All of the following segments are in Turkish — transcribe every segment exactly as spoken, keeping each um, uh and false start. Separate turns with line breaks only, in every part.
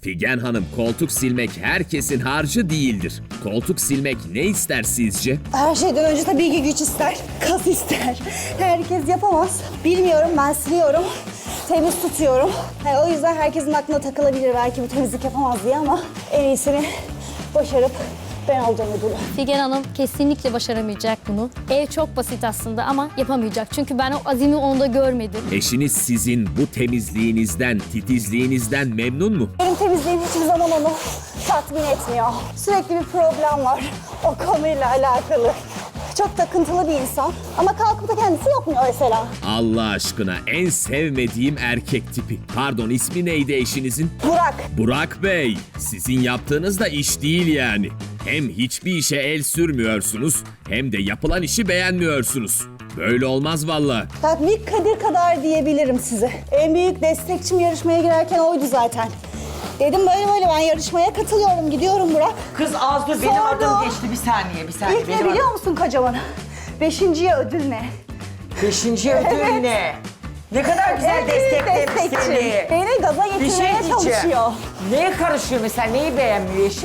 Figen Hanım, koltuk silmek herkesin harcı değildir. Koltuk silmek ne ister sizce?
Her şeyden önce tabii ki güç ister, kas ister. Herkes yapamaz. Bilmiyorum, ben siliyorum. Temiz tutuyorum. Yani o yüzden herkesin aklına takılabilir belki bu temizlik yapamaz diye ama en iyisini başarıp ben olacağım ödülü.
Figen Hanım kesinlikle başaramayacak bunu. Ev çok basit aslında ama yapamayacak. Çünkü ben o azimi onda görmedim.
Eşiniz sizin bu temizliğinizden, titizliğinizden memnun mu?
Benim temizliğim hiçbir zaman onu tatmin etmiyor. Sürekli bir problem var o konuyla alakalı. Çok takıntılı bir insan ama kalkıp da kendisi yapmıyor mesela.
Allah aşkına, en sevmediğim erkek tipi. Pardon, ismi neydi eşinizin?
Burak.
Burak Bey, sizin yaptığınız da iş değil yani. Hem hiçbir işe el sürmüyorsunuz, hem de yapılan işi beğenmiyorsunuz. Böyle olmaz valla.
Tatbik Kadir kadar diyebilirim size. En büyük destekçim yarışmaya girerken oydu zaten. Dedim böyle böyle ben yarışmaya katılıyorum, gidiyorum Burak.
Kız az dur, benim
Sordu.
adım geçti. Bir saniye, bir saniye.
İlk ne
Benim
biliyor
adım-
musun kocaman? Beşinciye ödül ne?
Beşinci ödül
Evet.
ne? Ne kadar güzel
En büyük
desteklemiş
destekçim.
seni.
Beni gaza
Bir şey
getirmeye
diyeceğim.
çalışıyor.
Neye karışıyor mesela? Neyi beğenmiyor eşin?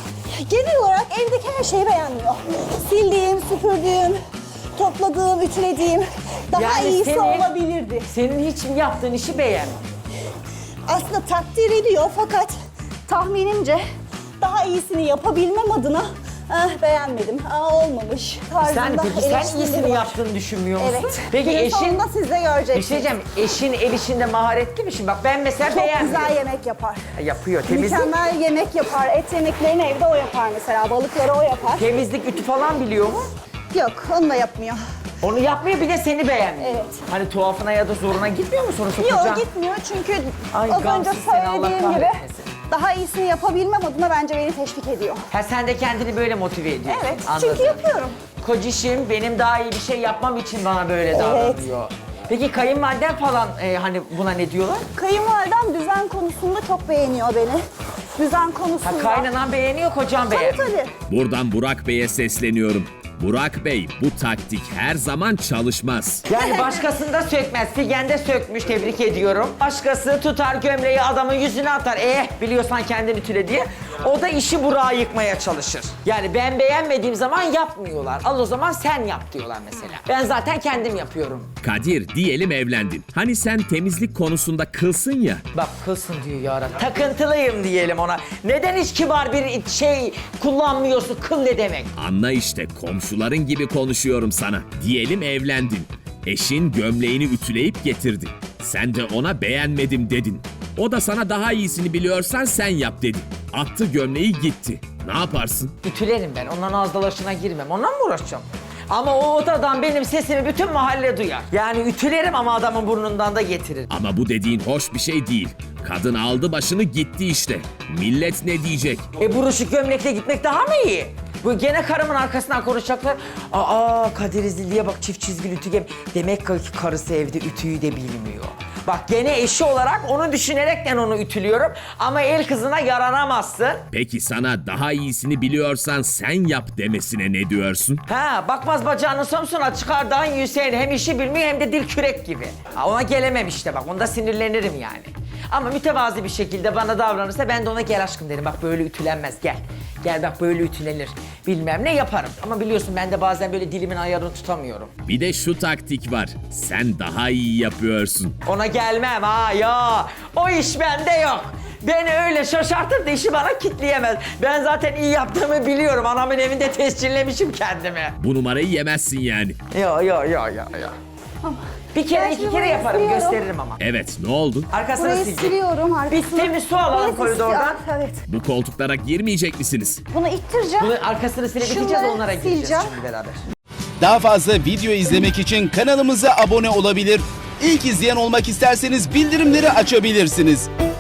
Genel olarak evdeki her şeyi beğenmiyor. Sildiğim, süpürdüğüm, topladığım, ütülediğim daha
Yani
iyisi
seni-
olabilirdi.
Senin hiç yaptığın işi beğenmiyor.
Aslında takdir ediyor fakat tahminimce daha iyisini yapabilmem adına eh, beğenmedim. Aa, olmamış tarzında
Sen peki sen
eleştirileri
iyisini
var.
yaptığını düşünmüyor musun?
Evet.
Peki
Günün
eşin...
sonunda siz de
Bir
göreceksiniz.
şey diyeceğim, eşin el işinde maharetli mi şimdi? Bak ben mesela
Çok
beğenmiyorum.
güzel yemek yapar.
Yapıyor, temizlik.
Mükemmel yemek yapar. Et yemeklerini evde o yapar mesela. Balıkları o yapar.
Temizlik, ütü falan biliyor mu?
Yok, onu da yapmıyor.
Onu yapmıyor, bir de seni beğenmiyor.
Evet.
Hani tuhafına ya da zoruna gitmiyor mu sonra sokacağın?
Yok, gitmiyor çünkü
Ay,
az önce
gamsız seni, Allah
söylediğim gibi
kahretmesin.
daha iyisini yapabilmem adına bence beni teşvik ediyor.
Ha sen de kendini böyle motive ediyorsun.
Evet,
Anladım.
çünkü yapıyorum.
Kocişim benim daha iyi bir şey yapmam için bana böyle
Evet.
davranıyor. Peki kayınvaliden falan e, hani buna ne diyorlar?
Kayınvalidem düzen konusunda çok beğeniyor beni. Düzen konusunda.
Ha kaynanan beğeniyor, kocan
Tabii
beğenmiyor.
tabii.
Buradan Burak Bey'e sesleniyorum. Burak Bey, bu taktik her zaman çalışmaz.
Yani başkasında sökmez. Figen de sökmüş, tebrik ediyorum. Başkası tutar gömleği adamın yüzüne atar. Eh biliyorsan kendin ütüle diye. O da işi Burak'a yıkmaya çalışır. Yani ben beğenmediğim zaman yapmıyorlar. Al o zaman sen yap diyorlar mesela. Ben zaten kendim yapıyorum.
Kadir, diyelim evlendin. Hani sen temizlik konusunda kılsın ya.
Bak kılsın diyor ya. Takıntılıyım diyelim ona. Neden hiç kibar bir şey kullanmıyorsun? Kıl ne demek?
Anla işte, komşuların gibi konuşuyorum sana. Diyelim evlendin. Eşin gömleğini ütüleyip getirdi. Sen de ona beğenmedim dedin. O da sana daha iyisini biliyorsan sen yap dedi. Attı gömleği gitti. Ne yaparsın?
Ütülerim ben. Ondan ağız dalaşına girmem. Ondan mı uğraşacağım? Ama o odadan benim sesimi bütün mahalle duyar. Yani ütülerim ama adamın burnundan da getiririm.
Ama bu dediğin hoş bir şey değil. Kadın aldı başını gitti işte. Millet ne diyecek?
E buruşuk gömlekle gitmek daha mı iyi? Bu gene karımın arkasından konuşacaklar. Aa Kadir İzlili'ye bak, çift çizgili ütü gem. Demek ki karısı evde ütüyü de bilmiyor. Bak gene eşi olarak onu düşünerekten onu ütülüyorum. Ama el kızına yaranamazsın.
Peki sana daha iyisini biliyorsan sen yap demesine ne diyorsun?
Ha bakmaz bacağını Samsun'a çıkardan Hüseyin hem işi bilmiyor hem de dil kürek gibi. Ha, ona gelemem işte bak, onda sinirlenirim yani. Ama mütevazi bir şekilde bana davranırsa ben de ona gel aşkım derim. Bak böyle ütülenmez, gel. Gel bak böyle ütülenir. Bilmem ne yaparım. Ama biliyorsun ben de bazen böyle dilimin ayarını tutamıyorum.
Bir de şu taktik var. Sen daha iyi yapıyorsun.
Ona gelmem ha ya. O iş bende yok. Beni öyle şaşartır da işi bana kitleyemez. Ben zaten iyi yaptığımı biliyorum. Anamın evinde tescillemişim kendimi.
Bu numarayı yemezsin yani.
Yo yo yo yo yo. Bir kere
Ben
iki
şimdi
kere
burayı
yaparım,
siliyorum.
gösteririm ama.
Evet, ne oldu?
Arkasını
Burayı
sileceğim.
siliyorum arkasını.
Bir temiz su alalım
Burası
koridordan.
siyah, Evet.
Bu koltuklara girmeyecek misiniz?
Bunu ittireceğim.
Bunun arkasını silip biteceğiz,
Şunları
onlara gireceğiz
sileceğim.
şimdi beraber.
Daha fazla video izlemek için kanalımıza abone olabilir. İlk izleyen olmak isterseniz bildirimleri açabilirsiniz.